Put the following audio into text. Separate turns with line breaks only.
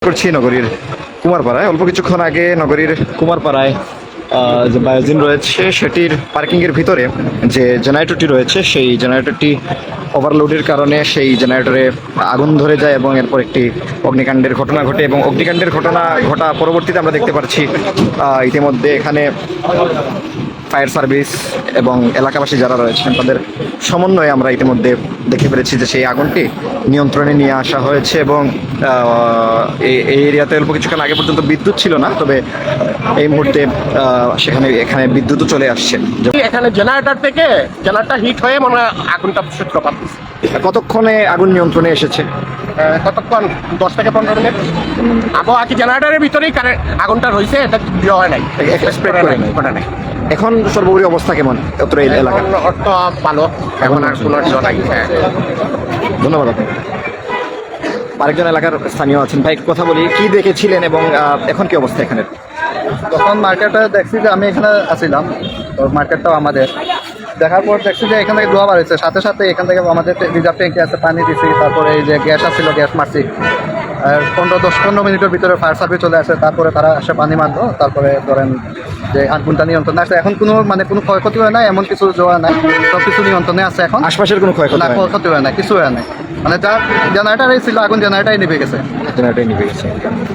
করছি নগরীর কুমারপাড়ায়। অল্প কিছুক্ষণ আগে নগরীর কুমারপাড়ায় যে বায়োজিন রয়েছে সেটির পার্কিংয়ের ভিতরে যে জেনারেটরটি রয়েছে সেই জেনারেটরটি ওভারলোডের কারণে সেই জেনারেটরে আগুন ধরে যায় এবং এরপর একটি অগ্নিকাণ্ডের ঘটনা ঘটে এবং অগ্নিকাণ্ডের ঘটনা ঘটা পরবর্তীতে আমরা দেখতে পাচ্ছি ইতিমধ্যে এখানে ফায়ার সার্ভিস এবং এলাকাবাসী যারা রয়েছেন তাদের সমন্বয়ে আমরা ইতিমধ্যে দেখতে পেরেছি যে সেই আগুনটি নিয়ন্ত্রণে নিয়ে আসা হয়েছে এবং এই এরিয়াতে অল্প কিছুক্ষণ আগে পর্যন্ত বিদ্যুৎ ছিল না, তবে এই মুহূর্তে এখানে বিদ্যুৎও চলে আসছে।
এখানে জেনারেটর হিট হয়ে মনে হয় আগুনটা সূত্রপাত হয়েছে।
কতক্ষণে আগুন নিয়ন্ত্রণে এসেছে?
কতক্ষণ 10 থেকে 15 মিনিট। আবহাওয়া কি জেনারেটরের ভিতরেই আগুনটা রয়েছে, এটা ইয়ে হয় নাই,
স্প্রেড করে
নাই।
এখন সর্বোপরি অবস্থা কেমন অত এই এলাকা?
অর্থ ভালো, এখন আর কোনো ইয়ে নাই।
ধন্যবাদ আপনাকে। আরেকজন এলাকার স্থানীয় আছেন, ভাই কথা বলি, কি দেখেছিলেন এবং এখন কি অবস্থা এখানে?
তখন মার্কেটটা দেখছি যে আমি এখানে আসছিলাম, তো মার্কেটটাও আমাদের। দেখার পর দেখছি যে এখান থেকে ধোয়া বাড়ছে, সাথে সাথে এখান থেকে আমাদের রিজার্ভ ট্যাঙ্কি আছে, পানি দিছি, তারপরে এই যে গ্যাস আসছিল গ্যাস মারছি, আর 10-15 মিনিটের ভিতরে ফায়ার সার্ভিস চলে আসে, তারপরে তারা এসে পানি মারলো, তারপরে ধরেন যে আগুনটা নিয়ন্ত্রণে আসে। এখন কোনো ক্ষয়ক্ষতি হয় না, এমন কিছু জোয়া নাই, সব কিছু নিয়ন্ত্রণে আছে। এখন
আশপাশের কোনো
ক্ষয়ক্ষতি হয় না, কিছু হয় না, মানে যার জেনারেটারই ছিল আগুন জেনারেটারই নিভে গেছে।
জেনারেটর নিভে গেছে।